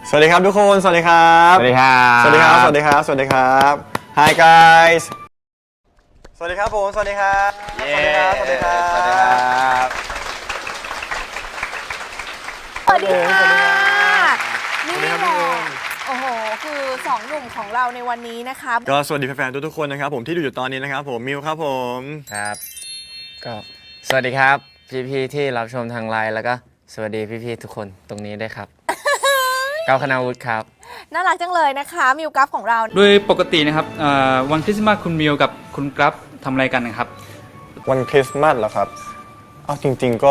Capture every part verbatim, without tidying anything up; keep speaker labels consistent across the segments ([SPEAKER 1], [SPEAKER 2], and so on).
[SPEAKER 1] สวัสดีครับทุกคนสวัสดีครับ
[SPEAKER 2] สวัสดีครับ
[SPEAKER 1] สวัสดีครับสวัสดีครับสวัสดีครับ Hi guys สวัสดีครับผมสวัสดีครับสวัสดีครับสวัสดีครับสวัสดีครับ
[SPEAKER 3] สวัสดีค่ะนี่
[SPEAKER 1] สวัสดีครับ
[SPEAKER 3] แห
[SPEAKER 1] พี่
[SPEAKER 3] ละ
[SPEAKER 1] อุ้ม
[SPEAKER 3] โอ้โหคือสองหนุ่มของเราในวันนี้นะคะ
[SPEAKER 1] ก็สวัสดีแฟนๆทุกๆคนนะครับผมที่ดูอยู่ตอนนี้นะครับผมมิวครับผม
[SPEAKER 2] ครับก็สวัสดีครับพี่ๆที่รับชมทางไลน์แล้วก็สวัสดีพี่ๆทุกคนตรงนี้ด้วยครับ ก้าวคณาวุฒิครับ
[SPEAKER 3] น่ารักจังเลยนะคะมิวกัฟของเรา
[SPEAKER 4] โดยปกตินะครับวันคริสต์มาสคุณมิวกับคุณกราฟทำอะไรกันนะครับ
[SPEAKER 1] วันคริสต์มาสเหรอครับเอาจริงๆก็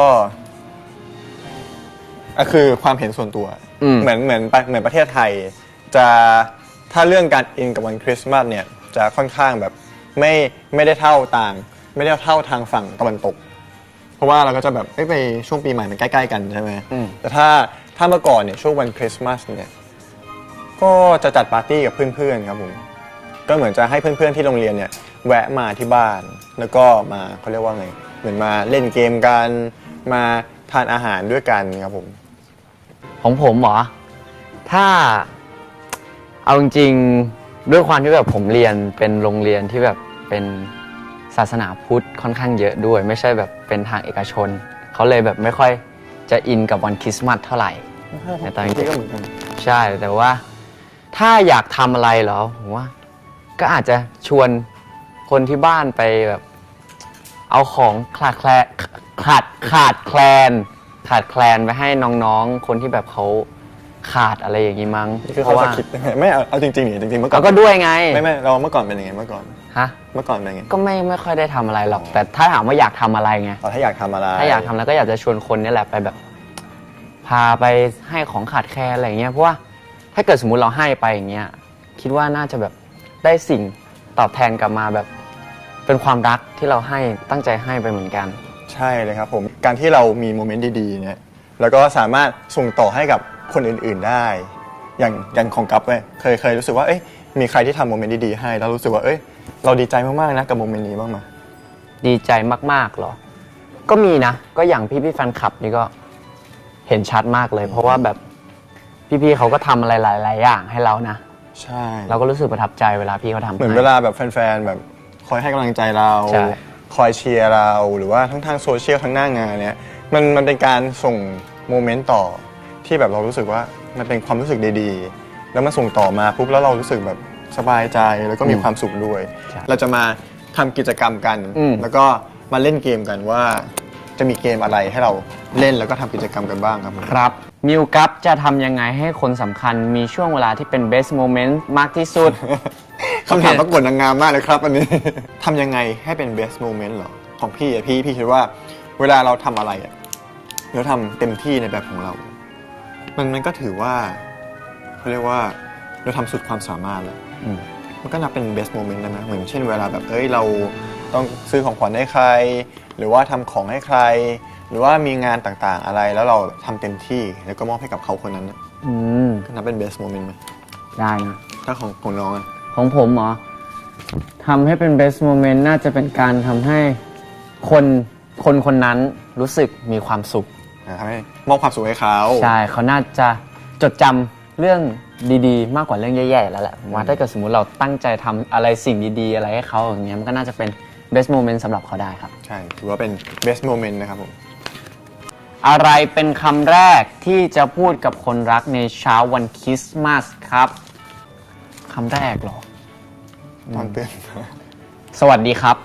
[SPEAKER 1] อ่ะคือความเห็นส่วนตัว
[SPEAKER 2] อืม
[SPEAKER 1] เหมือนเหมือนเหมือนประเทศไทยจะถ้าเรื่องการอินกับวันคริสต์มาสเนี่ยจะค่อนข้างแบบไม่ไม่ได้เท่าต่าง ไม่ได้เท่าทางฝั่งตะวันตก เพราะว่าเราก็จะแบบไปช่วงปีใหม่มันใกล้ๆกันใช่ไหม
[SPEAKER 2] อืม
[SPEAKER 1] แต่ถ้าถ้าเมื่อก่อนเนี่ยช่วงวันคริสต์มาสเนี่ยก็จะจัดปาร์ตี้กับเพื่อนๆครับผมก็เหมือนจะให้เพื่อนๆที่โรงเรียนเนี่ยแวะมาที่บ้านแล้วก็มาเขาเรียกว่าไงเหมือนมาเล่นเกมกันมาทานอาหารด้วยกันครับผม
[SPEAKER 2] ของผมเหรอถ้าเอาจริงๆด้วยความที่แบบผมเรียนเป็นโรงเรียนที่แบบเป็นศาสนาพุทธค่อนข้างเยอะด้วย ไม่ใช่แบบเป็นทางเอกชนเขาเลยแบบไม่ค่อยจะอินกับวันคริสต์มาสเท่าไหร่ในตอนนี้
[SPEAKER 1] ก็เหมือนกัน
[SPEAKER 2] ใช่แต่ว่าถ้าอยากทำอะไรเหรอผมว่าก็อาจจะชวนคนที่บ้านไปแบบเอาของขาดแคลนขาดขาดแคลนขาดแคลนไปให้น้องๆคนที่แบบเขาขาดอะไรอย่างนี้มั้ง
[SPEAKER 1] นี่คือ
[SPEAKER 2] เพ
[SPEAKER 1] เขา
[SPEAKER 2] ราะ
[SPEAKER 1] ส
[SPEAKER 2] ว่า
[SPEAKER 1] คริปต์ยังไงไม่เอาเอาจริงๆนี่จริงๆเมื่อก่อ
[SPEAKER 2] เรา
[SPEAKER 1] น
[SPEAKER 2] ก็ด้วยไง
[SPEAKER 1] ไม่ไม่เราเมื่อก่อนเป็นยังไงเมื่อก่อน
[SPEAKER 2] ฮะ
[SPEAKER 1] เมื่อก่อนเป็นยังไง
[SPEAKER 2] ก็ไม่ไม่ค่อยได้ทำอะไรหรอก แต่ถ้าถามว่าอยากทำอะไรไง
[SPEAKER 1] อ๋อถ้าอยากทำอะไร
[SPEAKER 2] ถ้าอยากทำแล้วก็อยากจะชวนคนนี่แหละไปแบบ พาไปให้ของขาดแคลนอะไรอย่างเงี้ยเพราะว่าถ้าเกิดสมมุติเราให้ไปอย่างเงี้ยคิดว่าน่าจะแบบได้สิ่งตอบแทนกลับมาแบบ เป็นความรักที่เราให้ตั้งใจให้ไปเหมือนกัน
[SPEAKER 1] ใช่เลยครับผมการที่เรามีโมเมนต์ดีๆเนี่ยแล้วก็สามารถส่งต่อให้กับคนอื่นๆได้ อย่างอย่างของกัปเนี่ยเคยเคยรู้สึกว่าเอ้ยมีใครที่ทำโมเมนต์ดีๆให้แล้วรู้สึกว่าเอ้ยเราดีใจมากๆนะกับโมเมนต์นี้บ้างไหม
[SPEAKER 2] ดีใจมากๆเหรอ ก็มีนะ ก็อย่างพี่พี่ๆแฟนคลับนี่ก็เห็นชัดมากเลย เพราะว่าแบบพี่ๆเขาก็ทำอะไรหลายๆอย่างให้เรานะ
[SPEAKER 1] ใช่
[SPEAKER 2] เราก็รู้สึกประทับใจเวลาพี่เขาทำ
[SPEAKER 1] เหมือน
[SPEAKER 2] ให้
[SPEAKER 1] เวลาแบบแฟนๆแบบคอยให้กำลังใจเรา
[SPEAKER 2] ใช่
[SPEAKER 1] คอยเชียร์เราหรือว่าทั้งทางโซเชียลทั้งหน้างานเนี่ยมันมันเป็นการส่งโมเมนต์ต่อที่แบบเรารู้สึกว่ามันเป็นความรู้สึกดีๆ แล้วมันส่งต่อมาปุ๊บแล้วเรารู้สึกแบบสบายใจแล้วก็มีความสุขด้วย เราจะมาทำกิจกรรมกัน แล้วก็มาเล่นเกมกันว่าจะมีเกมอะไรให้เราเล่นแล้วก็ทำกิจกรรมกันบ้างครับผม
[SPEAKER 2] ครับมิวกัปจะทำยังไงให้คนสำคัญมีช่วงเวลาที่เป็น best moment มากที่สุด
[SPEAKER 1] คำถามประกวดนางงามมากเลยครับอันนี้ ทำยังไงให้เป็น best moment เหรอ ของพี่อะพี่พี่คิดว่าเวลาเราทำอะไรอะเราทำเต็มที่ในแบบของเรา มันมันก็ถือว่าเขาเรียกว่าเราทำสุดความสามารถแล้ว
[SPEAKER 2] อืม
[SPEAKER 1] มันก็นับเป็น best moment ได้ไหมเหมือนเช่นเวลาแบบเอ้ยเราต้องซื้อของขวัญให้ใคร หรือว่าทำของให้ใคร หรือว่ามีงานต่างๆอะไรแล้วเราทำเต็มที่แล้วก็มอบให้กับเขาคนนั้นนะ
[SPEAKER 2] อืม
[SPEAKER 1] ก็นับเป็น best moment ไหม
[SPEAKER 2] ได้นะ
[SPEAKER 1] ถ้าของของน้องอะ
[SPEAKER 2] ของผมเหรอทำให้เป็น best moment น่าจะเป็นการทำให้คนคนคนนั้นรู้สึกมีความสุข
[SPEAKER 1] ทำให้มอบความสุขให้เขา
[SPEAKER 2] ใช่ เขาน่าจะจดจำเรื่องดีๆ มากกว่าเรื่องแย่ๆแล้วแหละผมว่าถ้าเกิดสมมุติเราตั้งใจทำอะไรสิ่งดีๆ อะไรให้เขาอย่างเงี้ยมันก็น่าจะเป็น best moment สำหรับเขาได้ครับ
[SPEAKER 1] ใช่ ถือว่าเป็น best moment นะครับผม
[SPEAKER 2] อะไรเป็นคำแรกที่จะพูดกับคนรักในเช้าวันคริสต์มาสครับคำแรกเหรอ
[SPEAKER 1] ตอนตื่น
[SPEAKER 2] สวัสดีครับ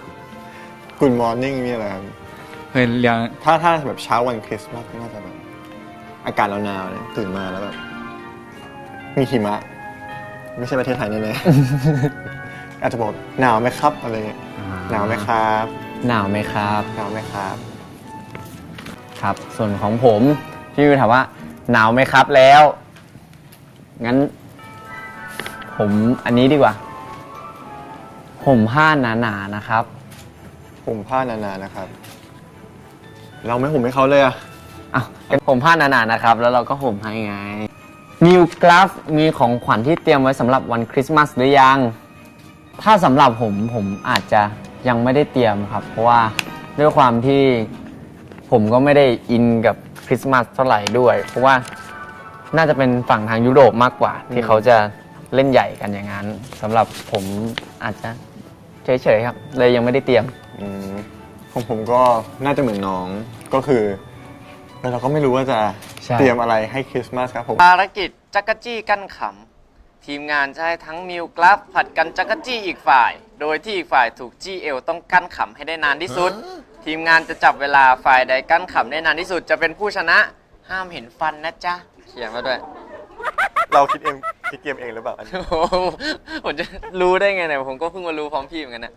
[SPEAKER 1] Good morning นี่แหละครับ
[SPEAKER 4] เฮ้ยเรียง
[SPEAKER 1] ถ้าถ้าแบบเช้าวันคริสต์มาสก็น่าจะแบบอากาศหนาวๆเนี่ยตื่นมาแล้วแบบมีหิมะ ไม่ใช่ประเทศไทยแน่ๆ อาจจะบอกหนาวไหมครับอะไรเงี้ยหนาวไหมครับ
[SPEAKER 2] หนาวไหมครับ
[SPEAKER 1] หนาวไหมครับ
[SPEAKER 2] ครับ ส่วนของผมพี่วิวถามว่า หนาวไหมครับแล้ว งั้น ผมอันนี้ดีกว่าห่มผ้าหนาๆนะครับ
[SPEAKER 1] ผมผ้านานๆนะครับ เราไม่ห่มให้เขาเลยอะ
[SPEAKER 2] อ้าวเป็นผมผ้าหนาๆนะครับ แล้วเราก็ห่มให้ไงนิวกราฟมีของขวัญที่เตรียมไว้สำหรับวันคริสต์มาสหรือยัง ถ้าสำหรับผมผมอาจจะยังไม่ได้เตรียมครับ เพราะว่าด้วยความที่ผมก็ไม่ได้อินกับคริสต์มาสเท่าไหร่ด้วย เพราะว่าน่าจะเป็นฝั่งทางยุโรปมากกว่า ที่เขาจะเล่นใหญ่กันอย่างนั้นสำหรับผมอาจจะเฉยๆครับ เลยยังไม่ได้เตรียม
[SPEAKER 1] อืมของผมก็น่าจะเหมือนน้องก็คือเราก็ไม่รู้ว่าจะ
[SPEAKER 2] ใช่
[SPEAKER 1] เตรียมอะไรให้คริสต์มาสครับผม
[SPEAKER 5] ภารกิจจักรจี้กั้นขำทีมงานจะให้ทั้งมิวกราฟผัดกันจักรจี้อีกฝ่าย โดยที่อีกฝ่ายถูกจี้เอวต้องกั้นขำให้ได้นานที่สุด ทีมงานจะจับเวลาฝ่ายใดกั้นขำได้นานที่สุดจะเป็นผู้ชนะ ห้ามเห็นฟันนะจ๊ะเขียนมาด้วย
[SPEAKER 1] เราคิดเองคิดเกมเองหรือเปล่าอันนี้
[SPEAKER 5] โอ้โหผมจะรู้ได้ไงเนี่ยผมก็เพิ่งมารู้พร้อมพี่เหมือนกันนะ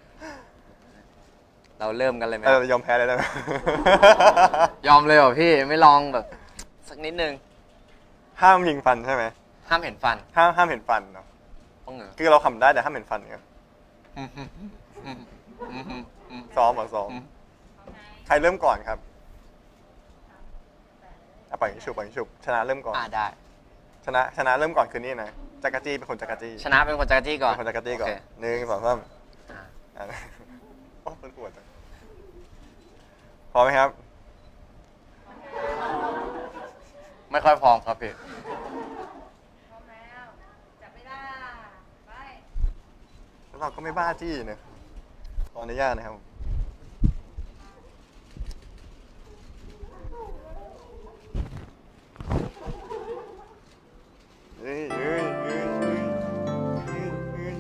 [SPEAKER 5] เราเริ่มกันเลยไหม
[SPEAKER 1] เออยอมแพ้เลยได้ไหม
[SPEAKER 5] ยอมเลยเหรอพี่ไม่ลองแบบสักนิดนึง
[SPEAKER 1] ห้ามยิงฟันใช่ไหม
[SPEAKER 5] ห้ามเห็นฟัน
[SPEAKER 1] ห้ามห้ามเห็นฟันเนาะ
[SPEAKER 5] ต้องเหรอ
[SPEAKER 1] คือเราขำได้แต่ห้ามเห็นฟันเนี่ย
[SPEAKER 5] อืมอืมอืมอืมอืม
[SPEAKER 1] ซ้อมเหรอซ้อม
[SPEAKER 5] อืม
[SPEAKER 1] ใครเริ่มก่อนครับอ่ะปล่อยยิงฉุบปล่อยยิงฉุบชนะเริ่มก่อน
[SPEAKER 5] อ่าได้
[SPEAKER 1] ชนะชนะเริ่มก่อนคือนี่นะจักรจี้เป็นคนจักรจี้
[SPEAKER 5] ชนะเป็นคนจักรจี้ก่อน
[SPEAKER 1] เป็นคนจักรจี้ก่อน
[SPEAKER 5] โเค
[SPEAKER 1] หนึ่งสองสาม
[SPEAKER 5] อ่า
[SPEAKER 1] อ่ะโอ้เป็นปวดจังพร้อมไหมครับ
[SPEAKER 5] ไม่ค่อยพร้อมครับพี่
[SPEAKER 1] แล้วเราก็ไม่บ้าจี้นะขออนุญาตนะครับเฮ้ยเฮ้ยเฮ้ยเฮ้ยเฮ้ยเฮ้ย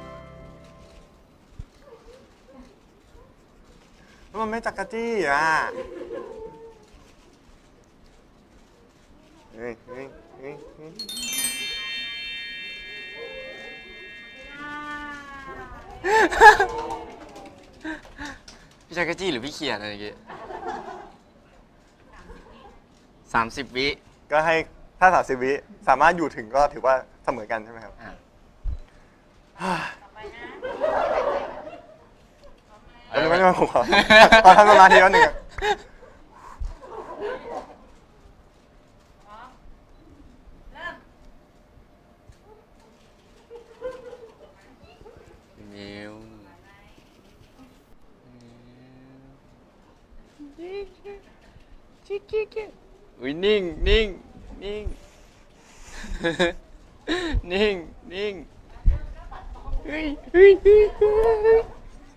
[SPEAKER 1] แล้วมันไม่จักรจี้อ่ะเฮ้ยเฮ้ยเฮ้ยเฮ้ย
[SPEAKER 5] พี่จักรจี้หรือพี่เขียนอะไรอย่างงี้สามสิบวิ
[SPEAKER 1] ก็ให้ถ้าสามสิบวิสามารถอยู่ถึงก็ถือว่าเสมอกันใช่ไหมครับ
[SPEAKER 5] อ่ะ
[SPEAKER 1] แล้วนึกไม่ได้มาผมขอขอทำสมาธิแล้วหนึ่งอะ
[SPEAKER 5] มิวอุ้ยนิ่งนิ่งนิ่ง นิ่งนิ่งเฮ้ยเฮ้ยเฮ้ยเฮ้ย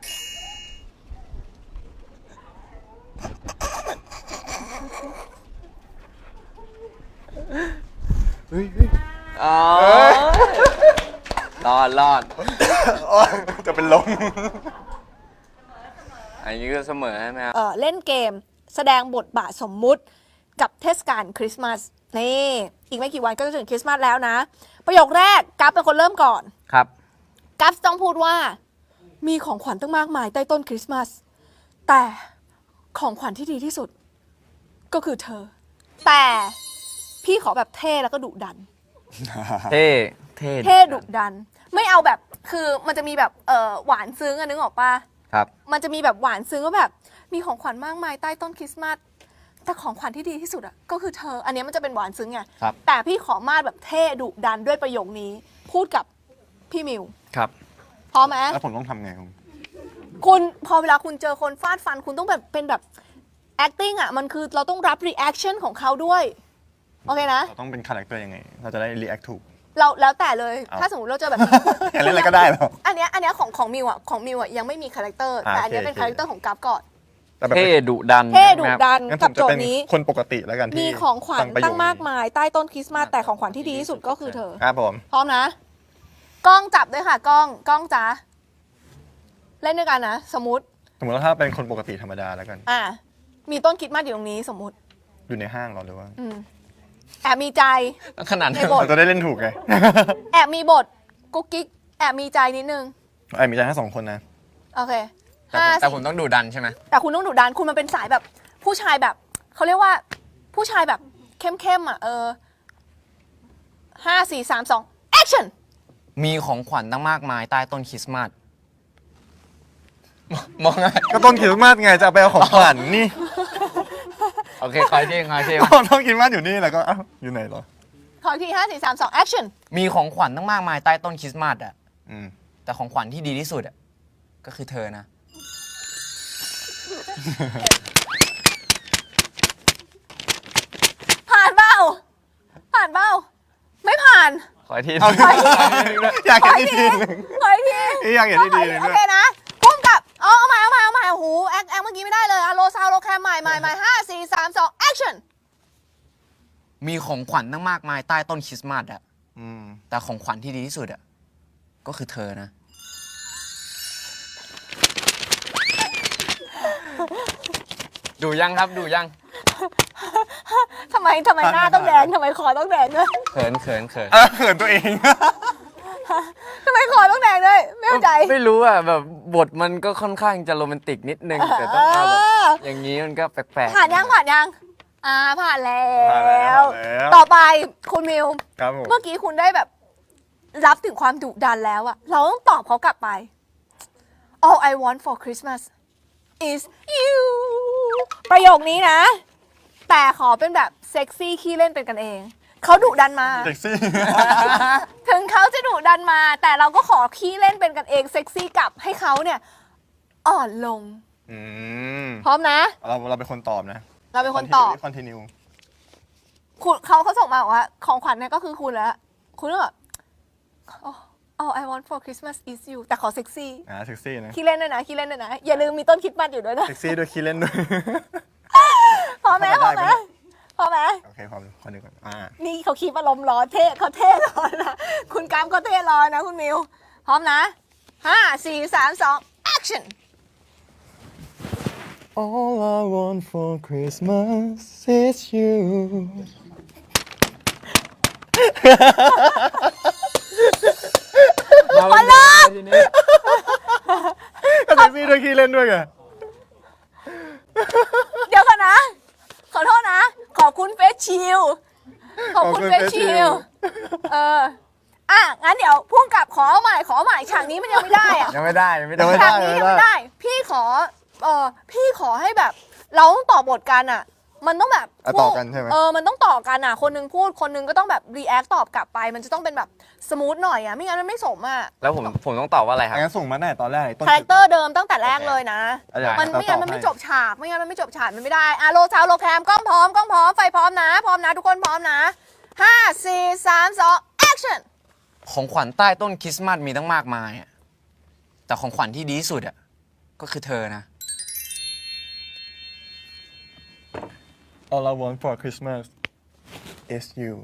[SPEAKER 5] อ๋อรอดรอด
[SPEAKER 1] โอ๊ยจะเป็นลม
[SPEAKER 5] อันนี้ก็เสมอใช่ไหมครับ
[SPEAKER 3] เอ่อเล่นเกมแสดงบทบาทสมมุติกับเทศกาลคริสต์มาสนี่อีกไม่กี่วันก็จะถึงคริสต์มาสแล้วนะ ประโยคแรกกัฟเป็นคนเริ่มก่อน
[SPEAKER 2] ครับ
[SPEAKER 3] กัฟต้องพูดว่ามีของขวัญตั้งมากมายใต้ต้นคริสต์มาสแต่ของขวัญที่ดีที่สุดก็คือเธอ แต่พี่ขอแบบเท่แล้วก็ดุดัน
[SPEAKER 2] เท่เท่
[SPEAKER 3] เท่ดุดัน ไม่เอาแบบคือมันจะมีแบบเออหวานซึ้งอะนึกออกปะ
[SPEAKER 2] ครับ
[SPEAKER 3] มันจะมีแบบหวานซึ้งว่าแบบมีของขวัญมากมายใต้ต้นคริสต์มาสแต่ของขวัญที่ดีที่สุดอะก็คือเธอ อันเนี้ยมันจะเป็นหวานซึ้งไง
[SPEAKER 2] ครับ
[SPEAKER 3] แต่พี่ขอมาดแบบเท่ดุดันด้วยประโยคนี้ พูดกับพี่มิว
[SPEAKER 2] ครับ
[SPEAKER 3] พร้อมไหม
[SPEAKER 1] แล้วผมต้องทำไงครับ
[SPEAKER 3] คุณพอเวลาคุณเจอคนฟาดฟัน คุณต้องแบบเป็นแบบ acting อะมันคือเราต้องรับ reaction ของเขาด้วยโอเคนะ
[SPEAKER 1] เราต้องเป็นคาแรคเตอร์ยังไง เราจะได้ react ถูก
[SPEAKER 3] เราแล้วแต่เลย
[SPEAKER 1] เอา
[SPEAKER 3] ถ้าสมมติเราเจอแบบ
[SPEAKER 1] อยากเล่นอะไรก็ได้เหรอ
[SPEAKER 3] อันเนี้ยอันเนี้ยของของมิวอะของมิวอะยังไม่มีคาแรคเตอร์
[SPEAKER 1] อ่า
[SPEAKER 3] แต่อันเนี้ย
[SPEAKER 1] โอเค
[SPEAKER 3] เป็นคาแรคเตอร์ของกัฟก่อน
[SPEAKER 1] แต่แบบ
[SPEAKER 2] เท่ดุดัน
[SPEAKER 3] เท่ดุ
[SPEAKER 2] ใช่ไหมครับ
[SPEAKER 3] ดัน
[SPEAKER 1] งั้นผ
[SPEAKER 3] กับ
[SPEAKER 1] ม
[SPEAKER 3] โจ
[SPEAKER 1] จะ
[SPEAKER 3] ท
[SPEAKER 1] เป็น
[SPEAKER 3] ย์นี้
[SPEAKER 1] คนปกติแล้วกันที่
[SPEAKER 3] มีของขวัญ
[SPEAKER 1] ฟัประโย
[SPEAKER 3] ตั้
[SPEAKER 1] ค
[SPEAKER 3] ง
[SPEAKER 1] นี้
[SPEAKER 3] มากมายใต้ต้นคริสต์มาสแต่ของขวัญที่ดีที่สุดก็คือเธอ
[SPEAKER 1] ครับผม
[SPEAKER 3] พร้อมนะ กล้องจับด้วยค่ะ กล้องกล้องจ้าเล่นด้วยกันนะ สมมติ
[SPEAKER 1] สมมติว่าถ้าเป็นคนปกติธรรมดาแล้วกัน
[SPEAKER 3] อ่ามีต้นคริสต์มาสอยู่ตรงนี้สมมติ
[SPEAKER 1] อยู่ในห้างเหรอหรือว่า
[SPEAKER 3] อืมแอบมีใจ
[SPEAKER 5] ขนาดนั้
[SPEAKER 3] ใน
[SPEAKER 5] น
[SPEAKER 3] บท
[SPEAKER 1] เราจะได้เล่นถูกไง
[SPEAKER 3] แอบมีบทกุ๊กกิ๊กแอบมีใจนิดนึง
[SPEAKER 1] ไอ้มีใจแค่สองคนนะ
[SPEAKER 3] โอเค
[SPEAKER 5] แต่
[SPEAKER 3] ห้า
[SPEAKER 5] ผมแต่
[SPEAKER 3] สี่
[SPEAKER 5] ผมต้องดูดันใช่ไหม
[SPEAKER 3] แต่คุณต้องดุดันคุณมันเป็นสายแบบ ผู้ชายแบบเขาเรียกว่า ผู้ชายแบบเข้มๆอ่ะเออห้าสี่สามสอง action
[SPEAKER 5] มีของขวัญตั้งมากมายใต้ต้นคริสต์มาสมองไง
[SPEAKER 1] ก็ต้นคริสต์มาสไงจะเอาไปเอาของขวัญนี่
[SPEAKER 5] โอเคคอยที่คอยที่
[SPEAKER 1] ก็ต้นคริสต์มาสอยู่นี่แล้วก็เอ้าอยู่ไหนเหรอ
[SPEAKER 3] ขออีกทีห้าสี่สามสอง action
[SPEAKER 5] มีของขวัญตั้งมากมายใต้ต้นคริสต์มาสอะ
[SPEAKER 1] อืม
[SPEAKER 5] แต่ของขวัญที่ดีที่สุดอะก็คือเธอนะ
[SPEAKER 3] ผ่านเปล่าผ่านเปล่าไม่ผ่าน
[SPEAKER 2] ขออีกที
[SPEAKER 1] เอาอยากเห็นอีกทีหนึง
[SPEAKER 3] ขออีกที
[SPEAKER 1] อยากเห็นอีกทีหนึง
[SPEAKER 3] โอ
[SPEAKER 1] ด้วย
[SPEAKER 3] เคนะพุ่มกับเอาเอาใหม่เอาใหม่เอาใหม่โอ้โหแอคแอคเมื่อกี้ไม่ได้เลยอะโลซาวโลแคมใหม่ใหม่ใหม่ห้าสี่สามสอง action
[SPEAKER 5] มีของขวัญตั้งมากมายใต้ต้นคริสต์มาสอะ
[SPEAKER 1] อืม
[SPEAKER 5] แต่ของขวัญที่ดีที่สุดอะก็คือเธอนะ ดูยังครับดูยัง
[SPEAKER 3] ทำไมทำไมหน้าต้องแดงทำไมคอต้องแดงด้วย
[SPEAKER 5] เขินเขินเขิน
[SPEAKER 1] เออเขินตัวเอง
[SPEAKER 3] ทำไมคอต้องแดงด้วยไม่เข้าใจ
[SPEAKER 2] ไม่รู้อ่ะแบบบทมันก็ค่อนข้างจะโรแมนติกนิดนึง แต่ต้องเอาแบบ
[SPEAKER 3] เออ
[SPEAKER 2] อย่างนี้มันก็แปลก
[SPEAKER 3] ผ่านยังผ่านยังอ่าผ่านแล้
[SPEAKER 1] ผ่านแล้ว
[SPEAKER 3] ว
[SPEAKER 1] ผ่านแล้ว
[SPEAKER 3] ต่อไปคุณมิว
[SPEAKER 1] ครับผม
[SPEAKER 3] เมื่อกี้คุณได้แบบรับถึงความดุดันแล้วอะเราต้องตอบเขากลับไป All I want for Christmas is you ประโยคนี้นะ แต่ขอเป็นแบบเซ็กซี่ขี้เล่นเป็นกันเอง เขาดุดันมา
[SPEAKER 1] เซ็กซี่
[SPEAKER 3] ถึงเขาจะดุดันมา แต่เราก็ขอขี้เล่นเป็นกันเองเซ็กซี่กลับให้เขาเนี่ย อ่อนลง
[SPEAKER 1] อืม
[SPEAKER 3] พร้อมนะ
[SPEAKER 1] เราเราเป็นคนตอบนะ
[SPEAKER 3] เราเป็นคนตอบ
[SPEAKER 1] คอนติเนีย
[SPEAKER 3] คุณเขาเขาส่งมาบอกว่า ของขวัญเนี่ยก็คือคุณแล้ว คุณก็แบบ oh, all I want for Christmas is you แต่ขอเซ็กซี่
[SPEAKER 1] อ่าเซ็กซี่นะ
[SPEAKER 3] ขี้เล่นด้วยนะขี้เล่นด้วยนะ อย่าลืมมีต้นคริดมัดอยู่ด้วยนะ
[SPEAKER 1] เซ็กซี่ด้วยคีเล่นด้วย
[SPEAKER 3] พอไหมพอไหมพอไหม
[SPEAKER 1] โอเคพร้อมคนหนึ่งก่อนอ่า
[SPEAKER 3] นี่เขาคีบอารมณ์ร้อนเท่เขาเท่ร้อนนะ คุณกรามก็เท่ร้อนนะคุณมิว พร้อมนะห้าสี่สามสอง action
[SPEAKER 1] All I want for Christmas is you
[SPEAKER 2] ๆมาเลยทีนี้
[SPEAKER 1] ก็เซ็กซี่ด้วยคีเล่นด้วยไง
[SPEAKER 3] เดี๋ยวกันนะ ขอโทษนะ ขอบคุณเฟสชิล ขอบคุณเฟสชิล เออ อ่ะ งั้นเดี๋ยวพุ่งกลับขอใหม่ ขอใหม่ฉากนี้มันยังไม่ได้อะ
[SPEAKER 2] ยังไม่ได้ยังไม่ได้
[SPEAKER 3] ฉากนี้ยังไม่ได้ พี่ขอ เออพี่ขอให้แบบ เราต้องต่อบทกันอ่ะ มันต้องแบบ
[SPEAKER 1] อ่ะต่อกันใช่ไหม
[SPEAKER 3] เออ มันต้องต่อกันอ่ะ คนหนึงพูด คนหนึงก็ต้องแบบรีแอคตอบกลับไป มันจะต้องเป็นแบบสมูทหน่อยอ่ะ ไม่งั้นมันไม่สมอ่ะ
[SPEAKER 2] แล้วผมผมต้องตอบว่าอะไรครับ
[SPEAKER 1] งั้นส่งมาตั้งแต่ตอนแรกเลยต้น
[SPEAKER 3] คาแรคเตอร์เดิมตั้งแต่แรกเลยนะ
[SPEAKER 1] อ่ะเดี๋ยว
[SPEAKER 3] มัน
[SPEAKER 1] เรา
[SPEAKER 3] ไม่งั้น
[SPEAKER 1] ตอบ
[SPEAKER 3] มันไม่
[SPEAKER 1] ให้
[SPEAKER 3] จบฉาก ไม่งั้นมันไม่จบฉาก มันไม่ได้อ่ะโลซาวโลแคมกล้องพร้อม กล้องพร้อม ไฟพร้อมนะ พร้อมนะ ทุกคนพร้อมนะห้าสี่สามสอง action
[SPEAKER 5] ของขวัญใต้ต้นคริสต์มาสมีตั้งมากมายอะแต่ของขวัญที่ดีที่สุดอะก็คือเธอนะ
[SPEAKER 1] All I want for Christmas is you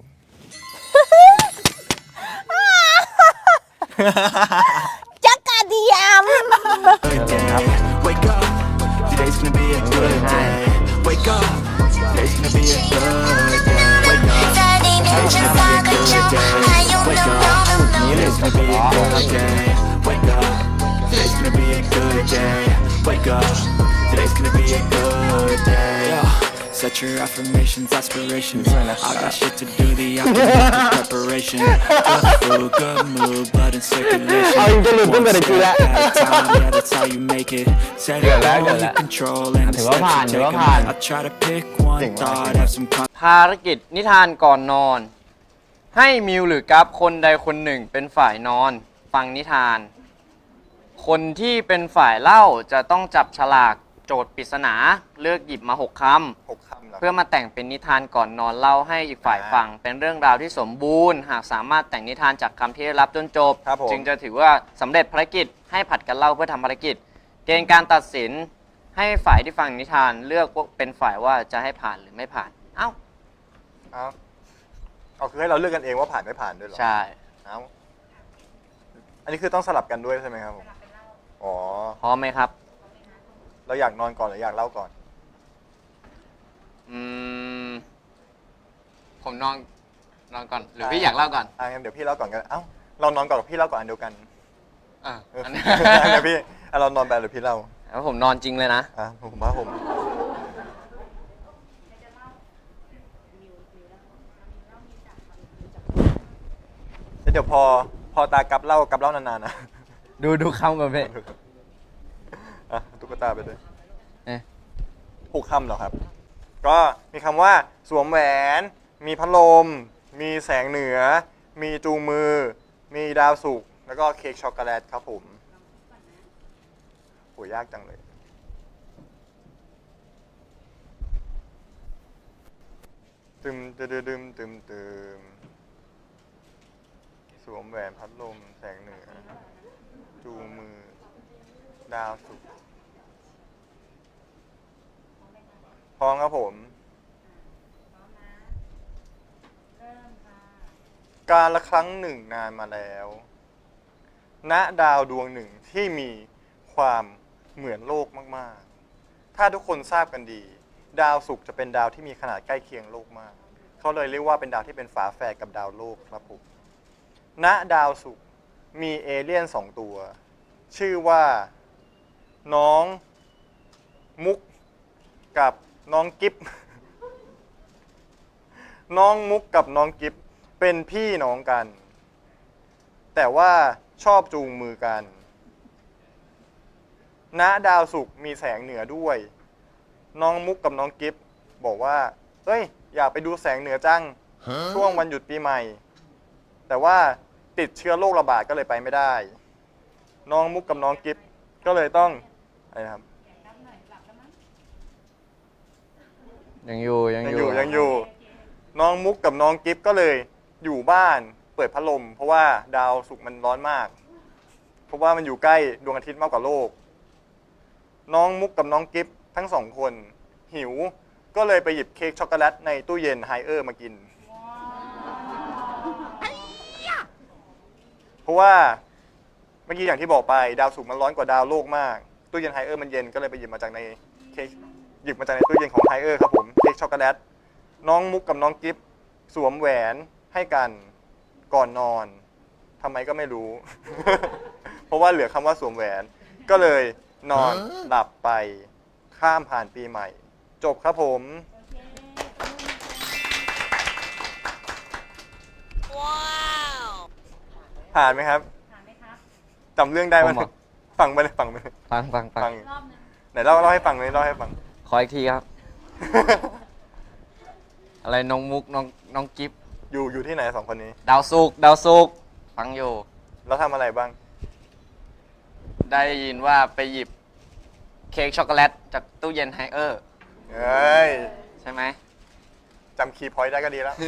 [SPEAKER 3] จักรเดียม
[SPEAKER 6] Wake up, today's gonna be a good day. Wake up, today's gonna be a good day. Wake up, today's gonna be a good day. Wake up, today's gonna be a good day. Wake up, today's gonna be a good day. Wake up, today's gonna be a good day. Set your affirmations, aspirations. I got shit to do, the aftermath preparation. Good food, good mood, blood in circulation. One step at a time, yeah, that's how you make it. Set it all you control and the steps you take 'em. I try to pick one thought, have some con-
[SPEAKER 5] ภารกิจนิทานก่อนนอน ให้มิวหรือกัฟคนใดคนหนึ่งเป็นฝ่ายนอน ฟังนิทาน คนที่เป็นฝ่ายเล่าจะต้องจับฉลากโจทย์ปริศนาเลือกหยิบมาหกคำ
[SPEAKER 1] หกคำเหรอ
[SPEAKER 5] เพื่อมาแต่งเป็นนิทานก่อนนอนเล่าให้อีกฝ่ายฟัง เป็นเรื่องราวที่สมบูรณ์ หากสามารถแต่งนิทานจากคำที่ได้รับจนจบ
[SPEAKER 1] ครับผม
[SPEAKER 5] จึงจะถือว่าสำเร็จภารกิจให้ผัดกันเล่าเพื่อทำภารกิจ เกณฑ์การตัดสินให้ฝ่ายที่ฟังนิทานเลือกว่าเป็นฝ่ายว่าจะให้ผ่านหรือไม่ผ่าน เอ้า
[SPEAKER 1] เอาเอาคือให้เราเลือกกันเองว่าผ่านไม่ผ่านด้วยเหรอ
[SPEAKER 5] ใช่
[SPEAKER 1] เอาอันนี้คือต้องสลับกันด้วยใช่ไหมครับผมอ๋อ
[SPEAKER 5] พร้อมไหมครับ
[SPEAKER 1] เราอยากนอนก่อนหรืออยากเล่าก่อน
[SPEAKER 5] อืมผมนอนนอนก่อนหรือพี่อยากเล่าก่อน
[SPEAKER 1] อ่ะงั้นเดี๋ยวพี่เล่าก่อนกัน เอ้า เรานอนก่อนกับพี่เล่าก่อนอันเดียวกัน
[SPEAKER 5] อ่ะ
[SPEAKER 1] เออ
[SPEAKER 5] อันนี้
[SPEAKER 1] เดี๋ยวพี่อ่ะเรานอนไปหรือพี่เล่า
[SPEAKER 5] แล้วผมนอนจริงเลยนะ
[SPEAKER 1] อ่ะผมว่าผมแล้วเดี๋ยวพอพอตากับเล่ากับเล่านานๆนะ
[SPEAKER 2] ดูดูคำก่อนพี่
[SPEAKER 1] อ่ะตุ๊กตาไปด้วย
[SPEAKER 2] เอ๊ะ
[SPEAKER 1] หกคำเหรอครับ ก็มีคำว่าสวมแหวน มีพัดลม มีแสงเหนือ มีจูงมือ มีดาวสุกร์แล้วก็เค้กช็อกโกแลตครับผมโหยากจังเลย
[SPEAKER 3] พ
[SPEAKER 1] ตึมตึมตึมตึมตึมสวมแหวนพัดลมแสงเหนือ จูงมือ ดาวสุกร์พร้อมครับผม การละครั้งหนึ่งนานมาแล้ว ณ ดาวดวงหนึ่งที่มีความเหมือนโลกมากๆ ถ้าทุกคนทราบกันดี ดาวศุกร์จะเป็นดาวที่มีขนาดใกล้เคียงโลกมาก เขาเลยเรียกว่าเป็นดาวที่เป็นฝาแฝดกับดาวโลกครับผม ณ ดาวศุกร์มีเอเลี่ยนสองตัว ชื่อว่า น้องมุกกับน้องกิฟ น้องมุกกับน้องกิฟเป็นพี่น้องกัน แต่ว่าชอบจูงมือกัน ณ ดาวศุกร์มีแสงเหนือด้วย น้องมุกกับน้องกิฟบอกว่าเอ้ยอยากไปดูแสงเหนือจัง ช่วงวันหยุดปีใหม่ แต่ว่าติดเชื้อโรคระบาดก็เลยไปไม่ได้ น้องมุกกับน้องกิฟก็เลยต้องอะไรนะครับ
[SPEAKER 2] ยังอยู่ยัง
[SPEAKER 1] ยัง
[SPEAKER 2] อ
[SPEAKER 1] อยู่ ยู่ยังอยู่ น้องมุกกับน้องกิฟก็เลยอยู่บ้านเปิดพัดลม เพราะว่าดาวศุกร์มันร้อนมาก เพราะว่ามันอยู่ใกล้ดวงอาทิตย์มากกว่าโลก น้องมุกกับน้องกิฟทั้งสองคนหิวก็เลยไปหยิบเค้กช็อกโกแลตในตู้เย็นไฮเออร์มากิน เพราะว่าเมื่อกี้อย่างที่บอกไปดาวศุกร์มันร้อนกว่าดาวโลกมากตู้เย็นไฮเออร์มันเย็นก็เลยไปหยิบมาจากในเค้กหยิบมาจากในตู้เย็นของไฮเออร์ครับผมเค้กช็อกโกแลตน้องมุกกับน้องกิฟสวมแหวนให้กันก่อนนอนทำไมก็ไม่รู้ เพราะว่าเหลือคำว่าสวมแหวนก็เลยนอนหลับไปข้ามผ่านปีใหม่ จบครับผม ผ่านไหมครับ ผ่านไหมครับจำเรื่องได้ไหม
[SPEAKER 2] ผมเหรอ
[SPEAKER 1] ฟังไปเลยฟังไปเลย
[SPEAKER 2] ฟังฟังฟั
[SPEAKER 1] ฟั
[SPEAKER 2] ง
[SPEAKER 1] งไหนเล่าเล่าให้ฟังเลยเล่าให้ฟัง
[SPEAKER 2] ขออีกทีครับ
[SPEAKER 5] อะไรน้องมุกน้องน้องกิฟ
[SPEAKER 1] อยู่อยู่ที่ไหนสองคนนี้
[SPEAKER 5] ดาวสุกร์ดาวสุกร์ฟังอยู่
[SPEAKER 1] แล้วทำอะไรบ้าง
[SPEAKER 5] ได้ยินว่าไปหยิบเค้กช็อกโกแลตจากตู้เย็นไฮเออร์
[SPEAKER 1] เอ้ย
[SPEAKER 5] ใช่ไหม
[SPEAKER 1] จำคีย์พอยต์ได้ก็ดีแล้ว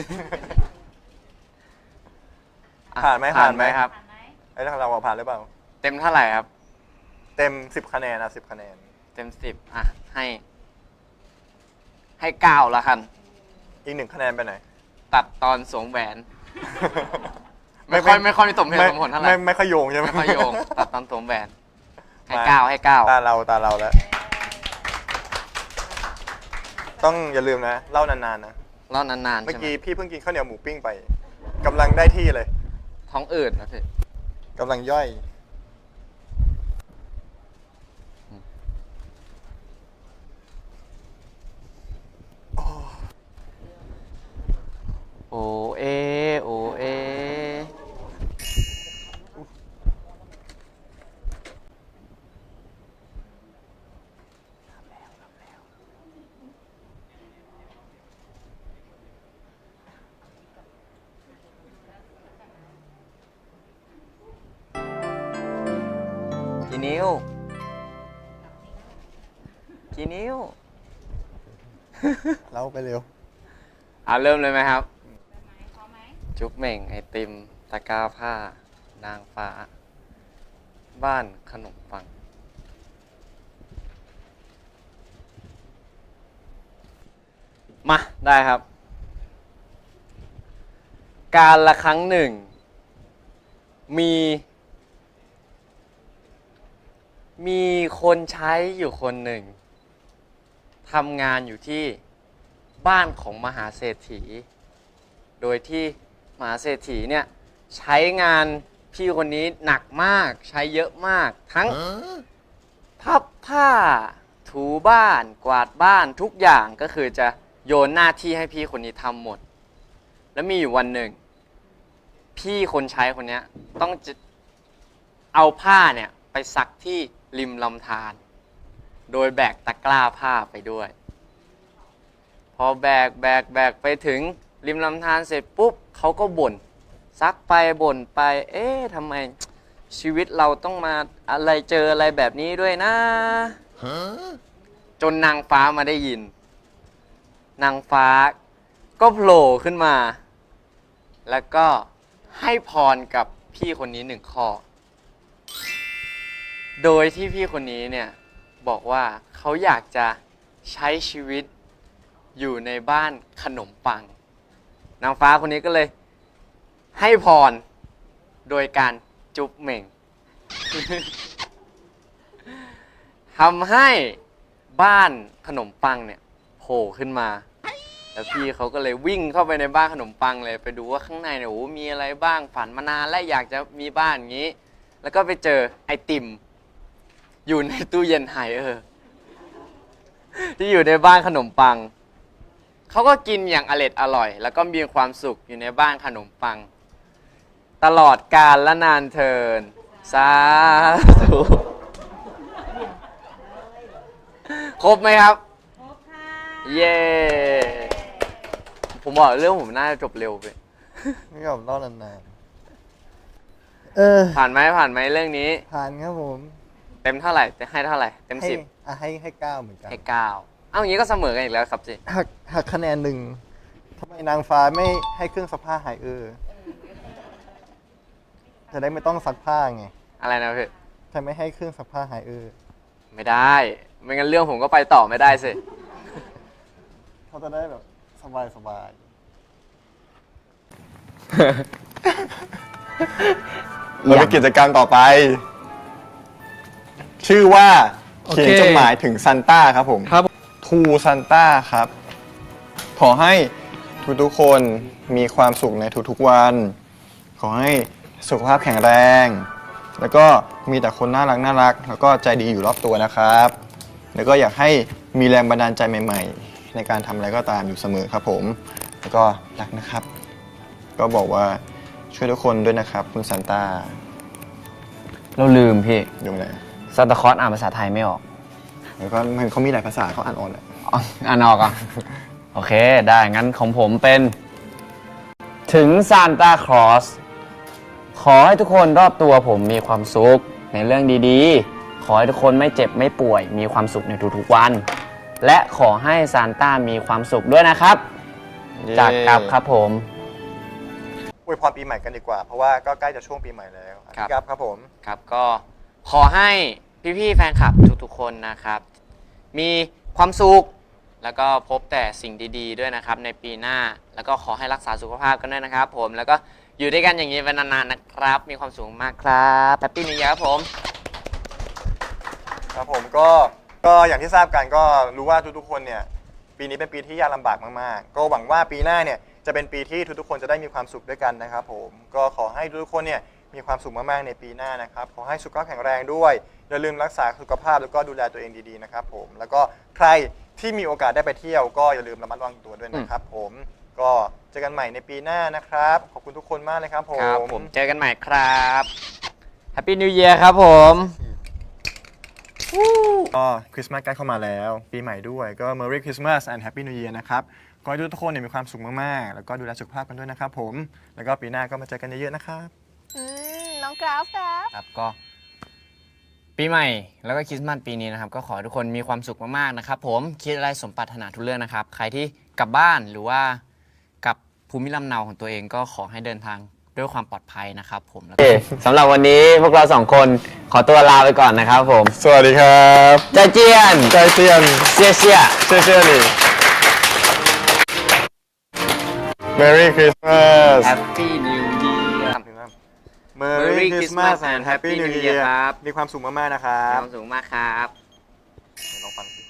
[SPEAKER 5] อ่ะ
[SPEAKER 1] ผ่านไหม
[SPEAKER 5] ผ่าน
[SPEAKER 1] ผ่าน
[SPEAKER 5] ไห
[SPEAKER 1] ไห
[SPEAKER 5] ม
[SPEAKER 1] ม
[SPEAKER 5] ครับ
[SPEAKER 1] ไอ้ทางเราอะผ่านหรือเปล่า
[SPEAKER 5] เต็มเท่าไหร่ครับ
[SPEAKER 1] เต็มสิบคะแนนอะสิบคะแนน
[SPEAKER 5] เต็มสิบอ่ะ ให้ ให้เก้าละกัน
[SPEAKER 1] อีกหนึ่งคะแนนไปไหน
[SPEAKER 5] ตัดตอนสวมแหวน ไม่ค่อยไม่ค่อยมีสมเหตุสมผลเท่าไหร่
[SPEAKER 1] ไม่ไม่ค่อยโยงใช่ไหม
[SPEAKER 5] ไม่ค่อยโยง ตัดตอนสวมแหวน ให้
[SPEAKER 1] มา
[SPEAKER 5] เก้าให้เก้า
[SPEAKER 1] ตาเราตาเราแล้ว ต้องอย่าลืมนะเล่านานๆนะ
[SPEAKER 5] เล่านานๆ
[SPEAKER 1] เมื่อ
[SPEAKER 5] ใช่ไหม
[SPEAKER 1] กี้พี่เพิ่งกินข้าวเหนียวหมูปิ้งไปกำลังได้ที่เลย
[SPEAKER 5] ท้องอืดนะพี่
[SPEAKER 1] กำลังย่อย
[SPEAKER 5] โอเอโอเอ กี่นิ้ว กี่นิ้ว
[SPEAKER 1] เล่าไปเร็ว
[SPEAKER 5] อ่ะเริ่มเลยไหมครับ จุ๊บเหม่ง ไอติม ตะกร้าผ้า นางฟ้า บ้านขนมปัง มาได้ครับ การละครั้งหนึ่ง มี มีคนใช้อยู่คนหนึ่งทำงานอยู่ที่บ้านของมหาเศรษฐี โดยที่มหาเศรษฐีเนี่ยใช้งานพี่คนนี้หนักมากใช้เยอะมาก ทั้งพับผ้า ถูบ้าน กวาดบ้านทุกอย่างก็คือจะโยนหน้าที่ให้พี่คนนี้ทำหมด แล้วมีอยู่วันหนึ่ง พี่คนใช้คนนี้ต้องจะเอาผ้าเนี่ยไปซักที่ริมลำธารโดยแบกตะกร้าผ้าไปด้วย พอแบกแบกแบกไปถึงริมลำธารเสร็จปุ๊บเขาก็บ่นซักไปบ่นไป เอ๊ะทำไมชีวิตเราต้องมาอะไรเจออะไรแบบนี้ด้วยนะ จนนางฟ้ามาได้ยิน นางฟ้าก็โผล่ขึ้นมา แล้วก็ให้พรกับพี่คนนี้หนึ่งข้อ โดยที่พี่คนนี้เนี่ยบอกว่าเขาอยากจะใช้ชีวิตอยู่ในบ้านขนมปัง นางฟ้าคนนี้ก็เลยให้พรโดยการจุ๊บเหม่ง ทำให้บ้านขนมปังเนี่ยโผล่ขึ้นมา แล้วพี่เขาก็เลยวิ่งเข้าไปในบ้านขนมปังเลยไปดูว่าข้างในเนี่ยโอ้มีอะไรบ้างฝันมานานและอยากจะมีบ้านอย่างนี้ แล้วก็ไปเจอไอติมอยู่ในตู้เย็นไฮเออร์ที่อยู่ในบ้านขนมปังเขาก็กินอย่างอร็ดอร่อย แล้วก็มีความสุขอยู่ในบ้านขนมปัง ตลอดกาลและนานเทินสาธุครบไหมครับครบค่ะเย้ผมบอกเรื่องผมน่าจะจบเร็วไป
[SPEAKER 1] ไม่ยอมเล่านานๆเออ
[SPEAKER 5] ผ่านไหมผ่านไหมเรื่องนี้
[SPEAKER 1] ผ่านครับผม
[SPEAKER 5] เต็มเท่าไหร่จะให้เท่าไหร่เต็ม
[SPEAKER 1] ให้
[SPEAKER 5] สิบ
[SPEAKER 1] อ่ะให้ให้เก้าเหมือนกัน
[SPEAKER 5] ให้เก้าเอ้าอย่างนี้ก็เสมอกันอีกแล้วครับจิ
[SPEAKER 1] หักหักคะแนนหนึ่งทำไมนางฟ้าไม่ให้เครื่องซักผ้าหายเออจะได้ไม่ต้องซักผ้าไง
[SPEAKER 5] อะไรนะพี่
[SPEAKER 1] ทำไมให้เครื่องซักผ้าหายเออ
[SPEAKER 5] ไม่ได้ไม่งั้นเรื่องผมก็ไปต่อไม่ได้สิ
[SPEAKER 1] เขาจะได้แบบสบายสบาย เราไปกิจกรรมต่อไป ชื่อว่า
[SPEAKER 4] โอ
[SPEAKER 1] เขี
[SPEAKER 4] เค
[SPEAKER 1] ยนจดหมายถึงซันต้าครับผม
[SPEAKER 4] ครับ
[SPEAKER 1] ทูซันต้าครับ ขอให้ทุกๆคนมีความสุขในทุกๆวัน ขอให้สุขภาพแข็งแรง แล้วก็มีแต่คนน่ารักน่ารัก แล้วก็ใจดีอยู่รอบตัวนะครับ แล้วก็อยากให้มีแรงบันดาลใจใหม่ๆ ในการทำอะไรก็ตามอยู่เสมอครับผม แล้วก็รักนะครับ ก็บอกว่าช่วยทุกคนด้วยนะครับคุณซันต้า
[SPEAKER 2] เราลืมพี่
[SPEAKER 1] อยู่ไหน
[SPEAKER 2] ซานตาคลอสอ่านภาษาไทยไม่ออก
[SPEAKER 1] แล้วก็มันเขามีหลายภาษาเขาอ่านออกแหละ
[SPEAKER 2] อ๋ออ่านออกอ่ะ โอเค ได้ งั้นของผมเป็น ถึงซานตาคลอสขอให้ทุกคนรอบตัวผมมีความสุขในเรื่องดีๆ ขอให้ทุกคนไม่เจ็บไม่ป่วย มีความสุขในทุกๆวัน และขอให้ซานต้ามีความสุขด้วยนะครับ จากกับครับผม
[SPEAKER 1] อวยพรปีใหม่กันดีกว่า เพราะว่าก็ใกล้จะช่วงปีใหม่แล้ว
[SPEAKER 5] ครับ
[SPEAKER 1] ครับครับผม
[SPEAKER 5] ครับก็ขอให้พี่ๆแฟนคลับทุกๆคนนะครับ มีความสุขแล้วก็พบแต่สิ่งดีๆด้วยนะครับในปีหน้าแล้วก็ขอให้รักษาสุขภาพกันด้วยนะครับผมแล้วก็อยู่ด้วยกันอย่างนี้เป็นนานๆนะครับ มีความสุขมากครับแฮปปี้นิวเยียร์ครับผม
[SPEAKER 1] ครับผมก็ก็อย่างที่ทราบกันก็รู้ว่าทุกๆคนเนี่ยปีนี้เป็นปีที่ยากลำบากมากๆก็หวังว่าปีหน้าเนี่ยจะเป็นปีที่ทุกๆคนจะได้มีความสุขด้วยกันนะครับผมก็ขอให้ทุกๆคนเนี่ยมีความสุขมากๆในปีหน้านะครับขอให้สุขภาพแข็งแรงด้วยอย่าลืมรักษาสุขภาพแล้วก็ดูแลตัวเองดีๆนะครับผมแล้วก็ใครที่มีโอกาสได้ไปเที่ยวก็อย่าลืมระมัดระวังตัวด้วยนะครับผมก็เจอกันใหม่ในปีหน้านะครับขอบคุณทุกคนมากเลยครับผม
[SPEAKER 5] ครับผมเจอกันใหม่ครับแฮปปี้นิวเยียร์ครับผม
[SPEAKER 1] ก็คริสต์มาสใกล้เข้ามาแล้วปีใหม่ด้วยก็ Merry Christmas and Happy New Year นะครับขอให้ทุกคนเนี่ยมีความสุขมากๆแล้วก็ดูแลสุขภาพกันด้วยนะครับผมแล้วก็ปีหน้าก็มาเจอกันเยอะๆนะครับ
[SPEAKER 3] อืมน้องกราฟครับ
[SPEAKER 5] ครับก็ปีใหม่แล้วก็คริสต์มาสปีนี้นะครับก็ขอให้ทุกคนมีความสุขมากๆนะครับผมคิดอะไรสมปรารถนาทุกเรื่องนะครับใครที่กลับบ้านหรือว่ากลับภูมิลำเนาของตัวเองก็ขอให้เดินทางด้วยความปลอดภัยนะครับผมแล้ว
[SPEAKER 2] โอ
[SPEAKER 5] ก็
[SPEAKER 2] เคสำหรับวันนี้พวกเราสองคนขอตัวลาไปก่อนนะครับผม
[SPEAKER 1] สวัสดีครับ
[SPEAKER 2] ใจเจียน
[SPEAKER 1] ใจเซียน
[SPEAKER 2] เชียเชีย
[SPEAKER 1] เชื่อเชื่อดิ Merry Christmas
[SPEAKER 5] แฮปปี้นิวเยียร์
[SPEAKER 1] Merry Christmas and Happy New Year
[SPEAKER 5] ครับ
[SPEAKER 1] มีความสุขมากๆนะครับ
[SPEAKER 5] ความสุขมากครับ
[SPEAKER 1] ลองฟังสิ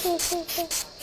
[SPEAKER 7] Thank you.